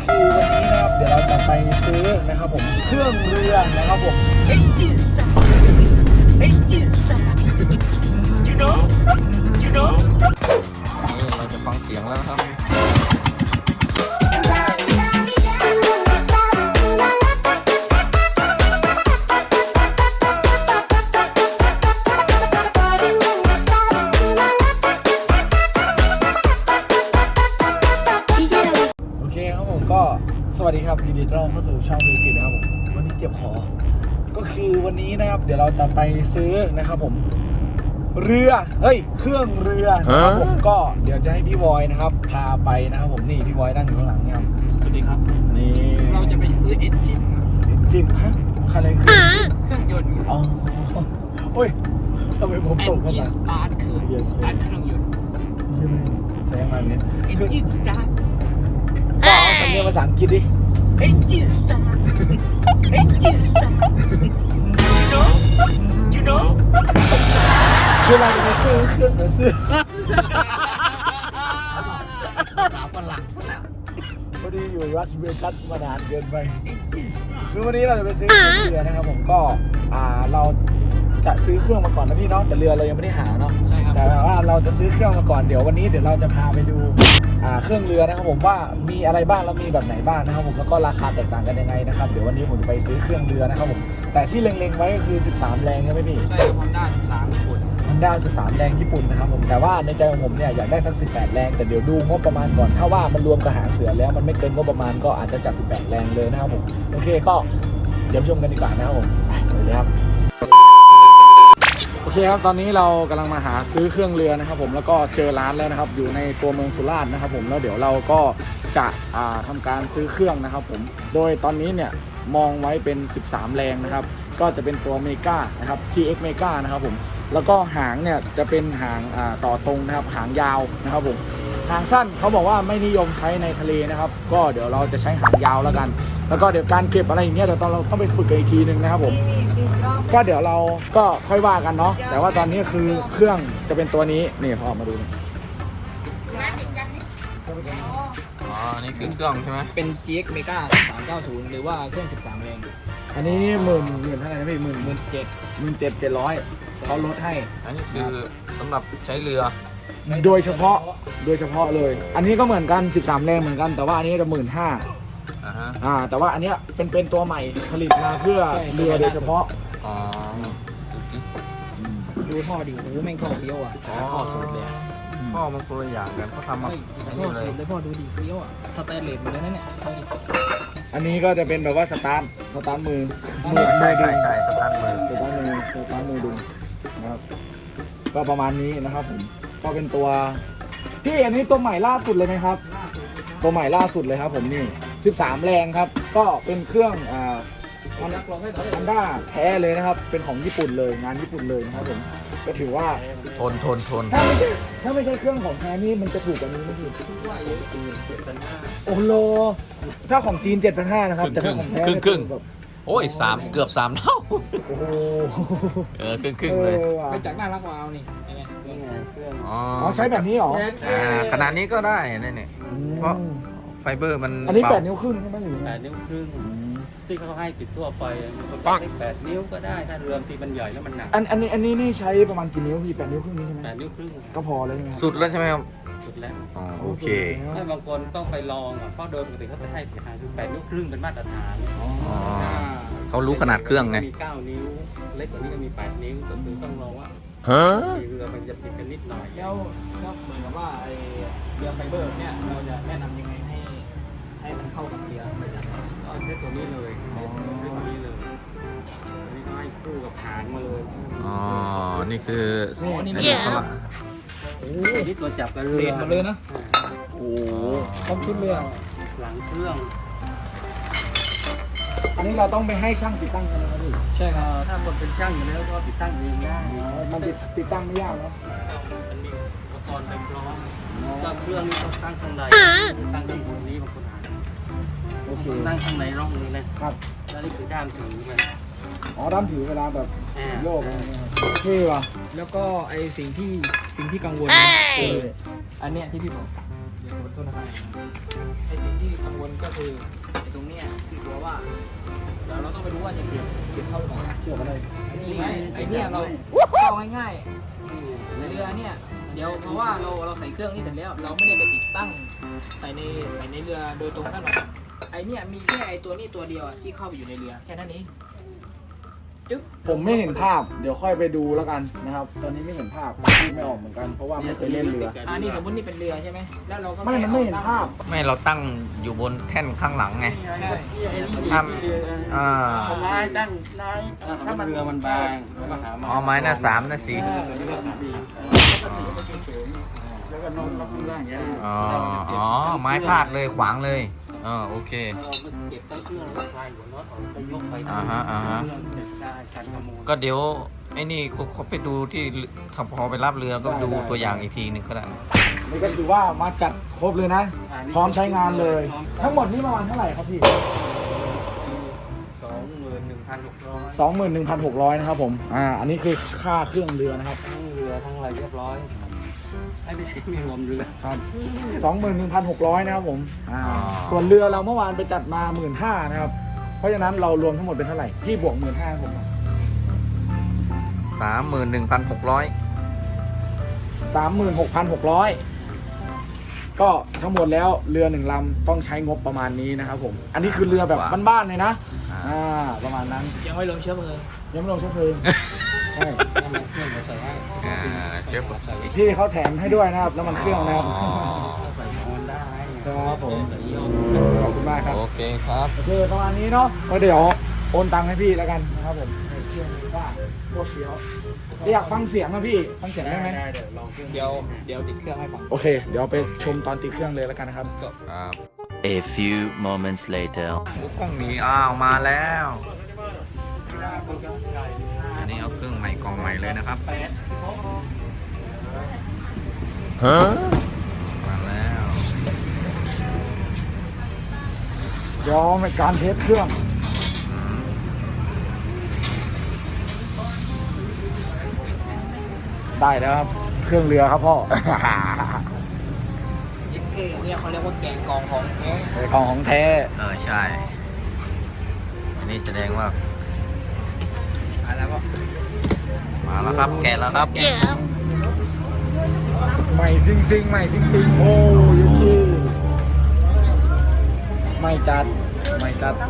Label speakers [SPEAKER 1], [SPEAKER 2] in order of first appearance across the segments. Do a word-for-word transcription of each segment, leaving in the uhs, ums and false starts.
[SPEAKER 1] คือวันนี้นะครับเดี๋ยวเราจะไปซื้อนะครับผมเครื่องเรือนะครับผม
[SPEAKER 2] Engine start Engine start You know You know
[SPEAKER 3] นี่เราจะฟังเสียงแล้วนะครับ
[SPEAKER 1] โอเคครับผมก็สวัสดีครับยินดีต้อนรับเข้าสู่ช่องธุรกิจนะครับผมวันนี้เจ็บคอก็คือวันนี้นะครับเดี๋ยวเราจะไปซื้อนะครับผมเรือเฮ้ยเครื่องเรือนะครับผมก็เดี๋ยวจะให้พี่บอยนะครับพาไปนะครับผมนี่พี่บอยนั่งอยู่ข้างหลังเนี่ยครับ
[SPEAKER 2] สวัสดีครับ
[SPEAKER 1] นี่
[SPEAKER 2] เราจะไปซื้อ Engine
[SPEAKER 1] จริงฮะอะไรคือ
[SPEAKER 2] เครื่องยนต์
[SPEAKER 1] อ๋อโอ้ยทำไมผมตกภา
[SPEAKER 2] Engine
[SPEAKER 1] ษา
[SPEAKER 2] start คือ start เครื่องยนต์
[SPEAKER 1] ยังไงแสดงมาเนี่ย
[SPEAKER 2] Engine start
[SPEAKER 1] ก็เอาสำเนียงภาษาอังกฤษดิ
[SPEAKER 2] Engine start Engine start You know You know
[SPEAKER 1] คือเราจะไปซื้อเครื่องมาซื้อ
[SPEAKER 2] สาวฝรั่งซะแล้ว
[SPEAKER 1] พอดีอยู่รัสเวกัสมานานเกินไปคือวันนี้เราจะไปซื้อเครื่องเรือนะครับผมก็อ่าเราจะซื้อเครื่องมาก่อนนะพี่เนาะแต่เรือเรายังไม่ได้หาเนาะ
[SPEAKER 2] ใช่ครับ
[SPEAKER 1] แต่ว่าเราจะซื้อเครื่องมาก่อนเดี๋ยววันนี้เดี๋ยวเราจะพาไปดูอ่าเครื่องเรือนะครับผมว่ามีอะไรบ้างแล้วมีแบบไหนบ้างนะครับผมแล้วก็ราคาแตกต่างกันยังไงนะครับเดี๋ยววันนี้ผมจะไปซื้อเครื่องเรือนะครับผมแต่ที่เล็งๆไว้ก็คือสิบสามแรงใช่ไหมพี่
[SPEAKER 2] ใช่ครับ Honda สิบสามญี่ปุ่น
[SPEAKER 1] Honda สิบสามแรงญี่ปุ่นนะครับผมแต่ว่าในใจของผมเนี่ยอยากได้สักสิบแปดแรงแต่เดี๋ยวดูงบประมาณก่อนถ้าว่ามันรวมกับหางเสือแล้วมันไม่เกินงบประมาณก็อาจจะจัดสิบแปดแรงเลยนะครับผมโอเคก็เดี๋ยวชมกันดีกว่านะครับผมไปเลยครับโอเคครับตอนนี้เรากำลังมาหาซื้อเครื่องเรือนะครับผมแล้วก็เจอร้านแล้วนะครับอยู่ในตัวเมืองสุราษฎร์นะครับผมแล้วเดี๋ยวเราก็จะอ่าทำการซื้อเครื่องนะครับผมโดยตอนนี้เนี่ยมองไว้เป็นสิบสามแรงนะครับก็จะเป็นตัวเมกานะครับ ที เอ็กซ์ Mega นะครับผมแล้วก็หางเนี่ยจะเป็นหางอ่าต่อตรงนะครับหางยาวนะครับผมหางสั้นเขาบอกว่าไม่นิยมใช้ในทะเลนะครับก็เดี๋ยวเราจะใช้หางยาวแล้วกันแล้วก็เดี๋ยวการเก็บอะไรอย่างเงี้ยเดี๋ยวตอนเราต้องไปฝึกกันอีกทีนึงนะครับผมก็เดี๋ยวเราก็ค่อยว่ากันเนาะแต่ว่าตอนนี้คือเครื่องจะเป็นตัวนี้นี่พอมาดูนี่
[SPEAKER 3] อ๋อนี่คือเครื่องใช่ไหม
[SPEAKER 2] เป็น จี เอ็กซ์ Mega สามเก้าศูนย์หรือว่าเครื่องสิบสามแรง
[SPEAKER 1] อันนี้หมื่นหมื่นเท่าไหร่นะพี่หมื่นห
[SPEAKER 2] ห
[SPEAKER 1] มื่
[SPEAKER 2] มื่
[SPEAKER 1] น
[SPEAKER 2] นเจ็ด
[SPEAKER 1] หมื่นเจ็ดเจ็ดร้อยเขาลดให้
[SPEAKER 3] อันนี้คือสำหรับใช้เรือ
[SPEAKER 1] โดยเฉพาะโดยเฉพาะเลย อันนี้ก็เหมือนกันสิบสามแรงเหมือนกันแต่ว่าอันนี้จะหมื่นห้า
[SPEAKER 3] อ่าฮะ
[SPEAKER 1] อ่าแต่ว่าอันเนี้ยเป็นเป็นตัวใหม่ผลิตมาเพื่อเรือโดยเฉพาะ
[SPEAKER 3] อ๋อ
[SPEAKER 2] ดูท่อดิโอ้โหแม่งท่อเฟี้ยวอ่ะ
[SPEAKER 3] อ๋อท่อสูตรเลยท่อมันคนละอย่างกันเขาทำมา
[SPEAKER 2] เฮ้ย
[SPEAKER 3] อัน
[SPEAKER 2] ท่อ
[SPEAKER 3] นี้เล
[SPEAKER 2] สู
[SPEAKER 3] ย
[SPEAKER 2] ตรเลยพ่อดูดิเฟี้ยวอ่ะสแตนเลสหมดเลยนะเนี่ยท่อดิ
[SPEAKER 1] อันนี้ก็จะเป็นแบบว่าสตาร์ทสตาร์ทมือ
[SPEAKER 3] ใช่ใช่ใช่สตาร์ทมือ
[SPEAKER 1] สตาร์ทมือสตาร์ทมือดึงนะครับก็ประมาณนี้นะครับผมก็เป็นตัวที่อันนี้ตัวใหม่ล่าสุดเลยไหมครับ ตัวใหม่ล่าสุดเลยครับผมนี่สิบสามแรงครับก็เป็นเครื่องอ่าฮอนด้าแท้เลยนะครับเป็นของญี่ปุ่นเลยงานญี่ปุ่นเลยนะครับผมก็ถือว่า
[SPEAKER 3] ทนทนทน
[SPEAKER 1] ถ้าไม่ใช่ถ้าไม่ใช่เครื่องของแท้นี่มันจะถูกกว่านี้ไหมพี่โอ้โหถ้าของจีน เจ็ดพันห้าร้อย นะครับแต่ถ้าของแท้
[SPEAKER 3] ครึ่งครึ่ง
[SPEAKER 1] แบบ
[SPEAKER 3] โอ้ยสามเกือบสามเท่า
[SPEAKER 1] โอ้โห
[SPEAKER 3] เออครึ่งครึ่งเลย
[SPEAKER 1] ออว่ะ
[SPEAKER 2] เป็นจากน่ารักวาวนี่ไงนี่ไงเครื่อง
[SPEAKER 3] อ๋อ
[SPEAKER 1] อ๋อใช้แบบนี้เหรอ
[SPEAKER 3] อ่าขนาดนี้ก็ได้นี่เนี่ย เพราะ ไฟเบอร์มัน
[SPEAKER 1] อันนี้
[SPEAKER 3] เบา
[SPEAKER 1] แปดนิ้วครึ่งใช่ไหมหรือไง
[SPEAKER 4] แปดนิ้วครึ่งที่เขาให้ติดทั่วไปมันก็ใช้แปดนิ้วก็ได้ถ้าเรือที่มันใหญ่แล้วมันหนัก
[SPEAKER 1] อันอันนี้อันนี้นี่ใช้ประมาณกี่นิ้วพี่แปดนิ้วครึ่งนี้ใช่ไหม
[SPEAKER 4] แปดนิ้วครึ่ง
[SPEAKER 1] ก็พอเลยใช่ไหมครับ
[SPEAKER 3] สุดแล้วใช่ไหมครับ
[SPEAKER 4] สุดแล้ว
[SPEAKER 3] อ๋อโอเค
[SPEAKER 4] ถ้าบางคนต้องไปลองอ่ะเพราะโดยปกติเขาจะให้สีหางคือแปดนิ้วครึ่งเป็นมาตรฐาน
[SPEAKER 1] อ๋อ
[SPEAKER 3] อ๋อ เขารู้ขนาดเครื่องไง
[SPEAKER 4] มีเก้านิ้ว เล็กกว่านี้ก็มีแปดนิ้วก็คือต้องลองว่า
[SPEAKER 3] ฮะ
[SPEAKER 4] เรือมันจะผิดกันนิดหน่อย
[SPEAKER 2] แล้วก็เหมือนกับว่าไอเรือไฟเบอร์เนี่ยเราจะแนะนำยังไงให้ให้มันเข้ากับเรือไปจาก
[SPEAKER 4] ก็ใช้ตัวนี้เลยใช้ตัวนี้เลยอันนี้ก็ให้คู่กับหางมาเลย
[SPEAKER 3] อ๋อ นี่คือ
[SPEAKER 2] อ๋อนี่
[SPEAKER 3] อั
[SPEAKER 2] มัน
[SPEAKER 3] นี้เขาละ
[SPEAKER 2] โอ้
[SPEAKER 4] อันนี้ตัวจับกับเรือ
[SPEAKER 2] เปลี่ยนหมดเลยนะ
[SPEAKER 1] โอ้
[SPEAKER 2] พร้อมชุดเรือ
[SPEAKER 4] หลังเครื่อง
[SPEAKER 1] อันนี้เราต้องไปให้ช่างติดตั้งกันนะครับพี่
[SPEAKER 2] ใช่ค
[SPEAKER 4] เอ่
[SPEAKER 2] รับ
[SPEAKER 4] อถ้าคนเป็นช่างอยู่แล้วก็ติดตั้งเองได้
[SPEAKER 1] อ๋อมันติดติดตั้งไม่ยากเนาะ
[SPEAKER 4] มันมีอุปกรณ์เต็มพร้อมก็เครื่องนี้ต้องตั้งข้างในตั้งข้างบนนี้บางคนหา
[SPEAKER 1] โอเค
[SPEAKER 4] ตั้งข้างในร่องนี้นะครับ แล้วนี่คือด้ามถือมัน
[SPEAKER 1] อ๋อด้ามถือเวลาแบบ
[SPEAKER 4] อ่า
[SPEAKER 1] โยกอะไรเงี้ยเท่ว่ะ
[SPEAKER 2] แล้วก็ไอสิ่งที่สิ่งที่กังวล
[SPEAKER 1] เอ
[SPEAKER 2] คือ
[SPEAKER 1] อ
[SPEAKER 2] อันเนี้ยที่พี่บอกโทษนะครับไอ้สิ่งที่กังวลก็คือไอ้ตรงเนี้ยที่กลัวว่าเดี๋ยวเราต้องไปดูว่าจะเสียบเสียบเข้าหรือเปล่า
[SPEAKER 1] เชื่อกันเลย
[SPEAKER 2] ไอ้นี่ไงไอ้เนี่ยเราเข้าง่ายๆเรือเนี่ยเดี๋ยวเพราะว่าเราเราใส่เครื่องนี่เสร็จแล้ว เราไม่ได้ไปติดตั้งใส่ในใส่ในเรือโดยตรงกันหรอกไอ้เนี่ยมีแค่ไอ้ตัวนี้ตัวเดียวอะที่เข้าไปอยู่ในเรือแค่นั้นเองจึ๊บ
[SPEAKER 1] ผมไม่เห็นภาพเดี๋ยวค่อยไปดูแล้วกันนะครับตอนนี้ไม่เห็นภาพพูดไม่ออกเหมือนกันเพราะว่าไม่เคยเล่นเรือ
[SPEAKER 2] อ่านี่สมมตินี่เป็นเรือใช่ไหมแล้วเราก็
[SPEAKER 1] ไม่มันไม่เห็นภาพ
[SPEAKER 3] ไม่เราตั้งอยู่บนแท่นข้างหลังไง
[SPEAKER 2] ใช่
[SPEAKER 3] ทำอ่า
[SPEAKER 4] ไม้ตั้งไม้ถ้ามันเรือมันบางเราก็หาไม้
[SPEAKER 3] เอาไม้หน้าสามหน้าสี่
[SPEAKER 4] แล้วก็นอนล็อกได้อย่างเงี้ย
[SPEAKER 3] อ๋ออ๋อไม้พาดเลยขวางเลยอ๋อโอเค
[SPEAKER 4] เราไปเก็บตั้งเครื่องเราคลายหัวน็อตออกไปยกไป
[SPEAKER 3] อ่าฮะอ่าฮะ
[SPEAKER 4] เครื่องเก็บได้คันขโมย
[SPEAKER 3] ก็เดี๋ยวไอ้นี่เขาเขาไปดูที่ถ้าพอไปรับเรือก็ดูตัวอย่างอีกทีหนึ่งก็ได้
[SPEAKER 1] นี่ก็ถือว่ามาจัดครบเลยนะ พร้อมใช้งานเลย ทั้งหมดนี่ประมาณเท่าไหร่ครับพี่
[SPEAKER 4] สองหมื่นหนึ่งพันหกร้อย
[SPEAKER 1] สองหมื่นหนึ่งพันหกร้อยนะครับผมอ่าอันนี้คือค่าเครื่องเรือนะครับ
[SPEAKER 4] ทั้งเรือทั้งอะไรเรียบร้อยไอ้ไม่ใช่มีรวมเรือ
[SPEAKER 1] ครับสองหมื่นหนึ่งพันหกร้อยนะครับผมอ่าส่วนเรือเราเมื่อวานไปจัดมาหมื่นห้านะครับเพราะฉะนั้นเรารวมทั้งหมดเป็นเท่าไหร่พี่บวกหมื่นห้าผม
[SPEAKER 3] สามหมื่นหนึ่งพันหกร้อย
[SPEAKER 1] สามหมื่นหกพันหกร้อยก็ทั้งหมดแล้วเรือหนึ่งลำต้องใช้งบประมาณนี้นะครับผมอันนี้คือเรือแบบบ้านๆเลยนะอ่าประมาณนั้น
[SPEAKER 2] ยังไม่ลงเชื้อเพลิง
[SPEAKER 1] ยังไม่ลงเชื้อเพลิงใช่
[SPEAKER 4] น้ำมันเครื่องเราใส่ให้
[SPEAKER 3] อ่าเชฟ
[SPEAKER 4] ใส่
[SPEAKER 1] พี่เขาแถมให้ด้วยนะครับน้ำมันเครื่องนะครับ
[SPEAKER 3] อ๋อ
[SPEAKER 4] ใส่ออนได้
[SPEAKER 1] ครับผม
[SPEAKER 4] ใส่ยี่ห้อ
[SPEAKER 1] ขอบคุณมากครับ
[SPEAKER 3] โอเคครับ
[SPEAKER 1] โอเคประมาณนี้เนาะก็เดี๋ยวโอนตังค์ให้พี่แล้วกันนะครับผมให้เครื่องนี้ว่าพวกเดียวอยากฟังเสียงนะพี่ฟังเสียงได้ไหม
[SPEAKER 4] ได้เดี๋ยวลองเครื่อง
[SPEAKER 2] เดี๋ยวเดี๋ยวติดเครื่องให้ฟัง
[SPEAKER 1] โอเค เดี๋ยวไปชมตอนติดเครื่องเลยแล้วกันนะครับ
[SPEAKER 3] ครับ
[SPEAKER 5] A few moments later.
[SPEAKER 3] ลูกกล้องหนีอ้าวมาแล้ว อันนี้เอาเครื่องใหม่กล่องใหม่เลยนะครับ
[SPEAKER 5] Huh?
[SPEAKER 3] มาแล้ว
[SPEAKER 1] เดี๋ยวในการเทสเครื่อง ได้แล้วครับ เครื่องเรือครับพ่อ
[SPEAKER 2] เนี่ยเขาเรียกว่าแกงกองของแท้
[SPEAKER 1] เป็นของของแท้
[SPEAKER 3] เออใช่ อันนี้แสดงว่า
[SPEAKER 2] อะไรก็
[SPEAKER 3] มาแล้วครับ แกะแล้วครับ
[SPEAKER 1] ใหม่ซิงซิงใหม่ซิงซิงโอ้ยชื่อไม่จัดไม่จัด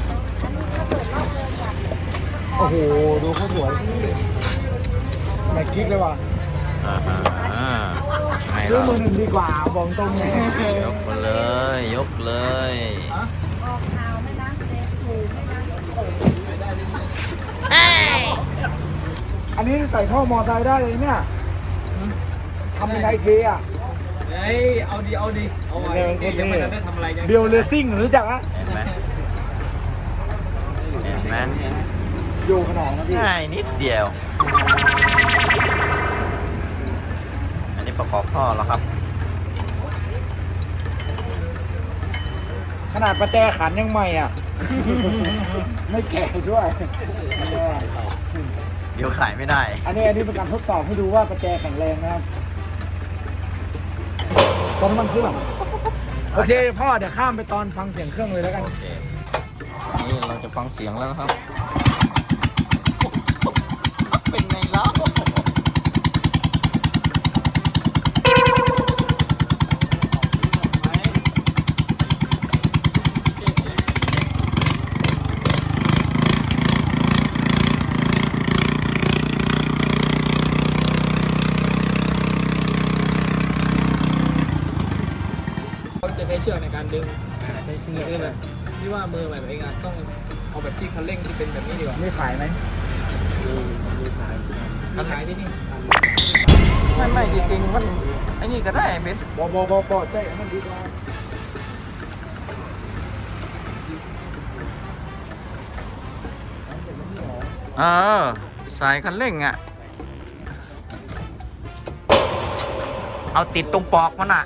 [SPEAKER 1] โอ้โห ดูเขาสวยไม่กิ๊กเลยว่ะ
[SPEAKER 3] อ่าฮะอ่าไง
[SPEAKER 1] ซื้อ
[SPEAKER 3] ล่ะ
[SPEAKER 1] มือหนึ่งดีกว่าบอกตรงเลย
[SPEAKER 3] ยกมาเลย ยกเลย
[SPEAKER 1] อันนี้ใส่ท่อมอไซค์ได้เลยเนี่ยทำเป็นไอเทอ่ะ
[SPEAKER 2] เฮ้ยเอาดีเอาดีเอาไว้
[SPEAKER 1] เดี๋ยว
[SPEAKER 2] เดี๋ยวมันจะได้ทำอะไรกัน
[SPEAKER 1] เบลเลซิ่งรู้จักอะ
[SPEAKER 3] เห็นไหมเห็นไหม
[SPEAKER 1] อยู่ขนองนะพี่
[SPEAKER 3] ง่ายนิดเดียว อันนี้ประกอบท่อแล้วครับ
[SPEAKER 1] ขนาดประแจขันยังใหม่อ่ะ ไม่แก่ด้วย
[SPEAKER 3] เดี๋ยวขายไม่ได้
[SPEAKER 1] อันนี้อันนี้เป็นการทดสอบให้ดูว่าประแจแข็งแรงนะครับซ้อมน้ำมันเครื่องโอเคพ่อเดี๋ยวข้ามไปตอนฟังเสียงเครื่องเลยแล้วกัน
[SPEAKER 3] โอเค นี่เราจะฟังเสียงแล้วนะครับ เป็นไงล่ะ
[SPEAKER 2] เขาจะใช้เชือกในการดึงใช้เชือกด้วยแบบที่ว่ามือใหม่เองอะต้องเอาแบบที่คันเร่งที่เป็นแบบนี้ดีกว่า
[SPEAKER 1] ไม่ขายไหม
[SPEAKER 2] มีขายที่นี่
[SPEAKER 3] ไม่ไม่จริงๆมันไอ้นี่ก็ได้เบน
[SPEAKER 1] บอบอบอบอใจมันดีกว่า
[SPEAKER 3] เออสายคันเร่งอ่ะ เอาติดตรงปอกมันอ่ะ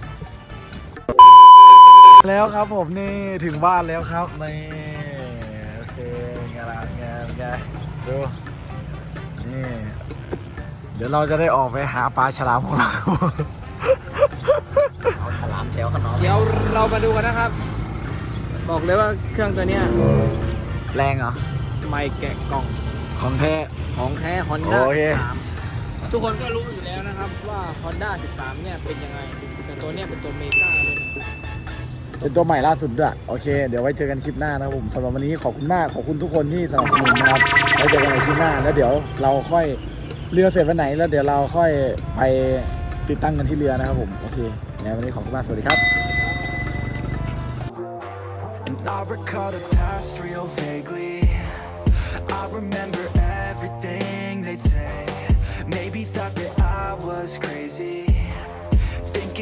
[SPEAKER 1] แล้วครับผมนี่ถึงบ้านแล้วครับนี่โอเคงานงานไงดูนี่เดี๋ยวเราจะได้ออกไปหาปลาฉลามของเรา
[SPEAKER 3] เอาฉลามแถวขนอม
[SPEAKER 2] เดี๋ยวเรามาดูกันนะครับ บอกเลยว่าเครื่องตัวเนี้ย
[SPEAKER 1] แรงเหรอ
[SPEAKER 2] ไม่แกะกล่อง
[SPEAKER 1] ของแท้
[SPEAKER 2] ของแท้ Honda
[SPEAKER 1] โอเค
[SPEAKER 2] สิบสามทุกคนก็รู้อยู่แล้วนะครับว่า Honda สิบสามเนี่ยเป็นยังไงแต่ตัวเนี้ยเป็นตัวเมกาเลยนะ
[SPEAKER 1] เป็นตัวใหม่ล่าสุดด้วยโอเคเดี๋ยวไว้เจอกันคลิปหน้านะครับผมสำหรับวันนี้ขอบคุณมากขอบคุณทุกคนที่สนับสนุนนะครับไว้เจอกันในคลิปหน้าแล้วเดี๋ยวเราค่อยเรือเสร็จวันไหนแล้วเดี๋ยวเราค่อยไปติดตั้งกันที่เรือนะครับผมโอเคงั้นวันนี้ขอบคุณมากสวัสดีครับ
[SPEAKER 6] And I recall the past real vaguely. I remember everything they'd say. Maybe thought that I was crazy, thinking